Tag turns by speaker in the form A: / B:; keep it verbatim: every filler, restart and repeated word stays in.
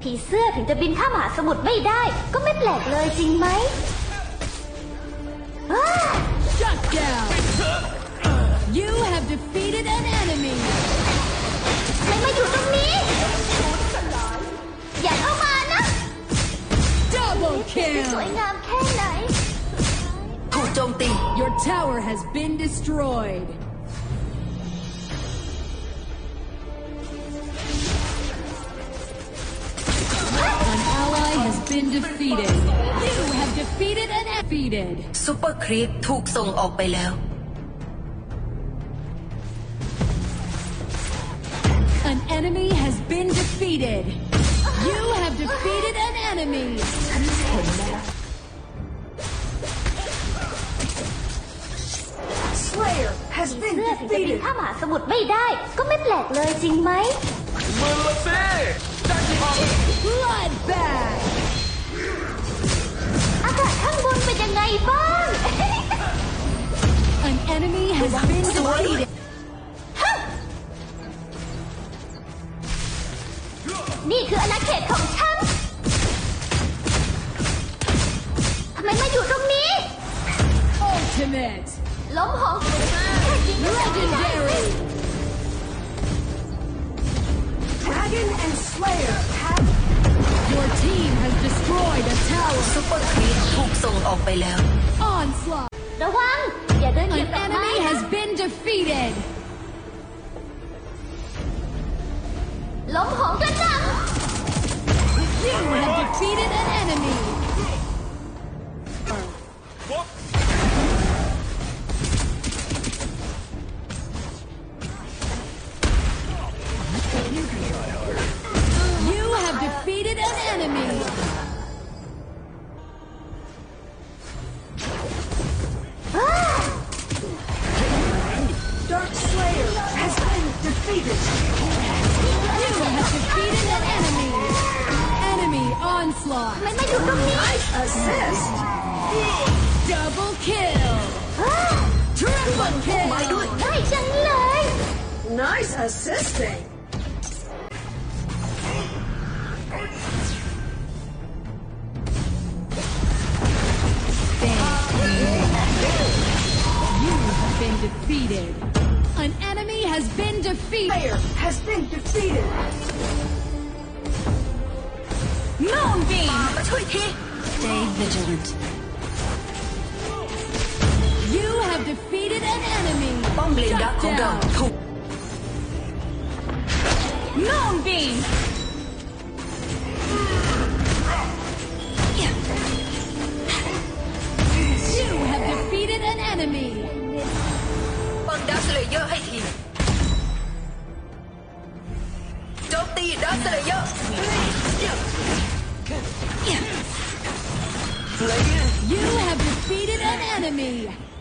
A: ผีเสื้อถึงจะบินข้ามมหาสมุทรไม่ได้ก็ไม่แปลกเลยจริงไหม
B: Shut down. You have defeated an enemy.
A: ไม่มาอยู่ตรงนี้อย่าเข้ามานะ
B: Double
A: ส
B: kill.
A: วยงามแค่ไหน
C: ถูกโจมตี
B: Your tower has been destroyed. An ally has been defeated. You have defeated and defeated.
C: ซูเปอร์ครีปถูกส่งออกไปแล้ว
B: An enemy has been defeated. You have defeated an enemy.
C: ฉันเห็นแล้ว
D: Slayer has
A: ผี
D: been
A: เสื้อถึงจะบิน
D: defeated.
A: ข้ามมหาสมุทรไม่ได้ก็ไม่แปลกเลยจริงไหม
E: มือละสิได้ที่ห้อง
B: Bloodbath.
A: อากาศข้างบนเป็นยังไงบ้าง
B: An enemy has been defeated.
A: นี่คืออาณาเขตของฉันทำไมมาอยู่ตรงนี้
B: Ultimate.
A: ล้มหองแค่ยิงไม่ได้
B: Legendary.
D: Dragon and Slayer have
B: Your team has destroyed a tower.
C: ซูเปอร์ครีปถูกส่งออกไปแล้ว
B: Onslaught.
A: ระวัง อย่าเดินเหยีย
B: An
A: บดอกไม้
B: enemy
A: นะ
B: has been defeated.
A: ล้มหองกระจัง
B: You have defeated an enemy. You have defeated an enemy.
D: Dark Slayer has been defeated.
B: You have defeated an enemy. Enemy onslaught.
A: ทำไมมาอยู่ตรงนี้
D: Assist.
B: Double kill. Triple
C: มาด้ว
B: kill.
C: ย
A: ได้จังเลย
D: Nice assisting.
B: You have been defeated. An enemy has been defeated.
D: Slayer has been defeated.
B: Moonbeam.
C: มาช่วยที Stay vigilant
B: You have defeated an enemy.
C: ป้อมเลนดัก
B: Shut
C: ของเรา
B: down.
C: ถูก
B: Moonbeam. You have defeated an enemy.
C: ป้องดักเลเยอร์ให้ทีโจมตีดักเลเยอร์
B: You have defeated an enemy.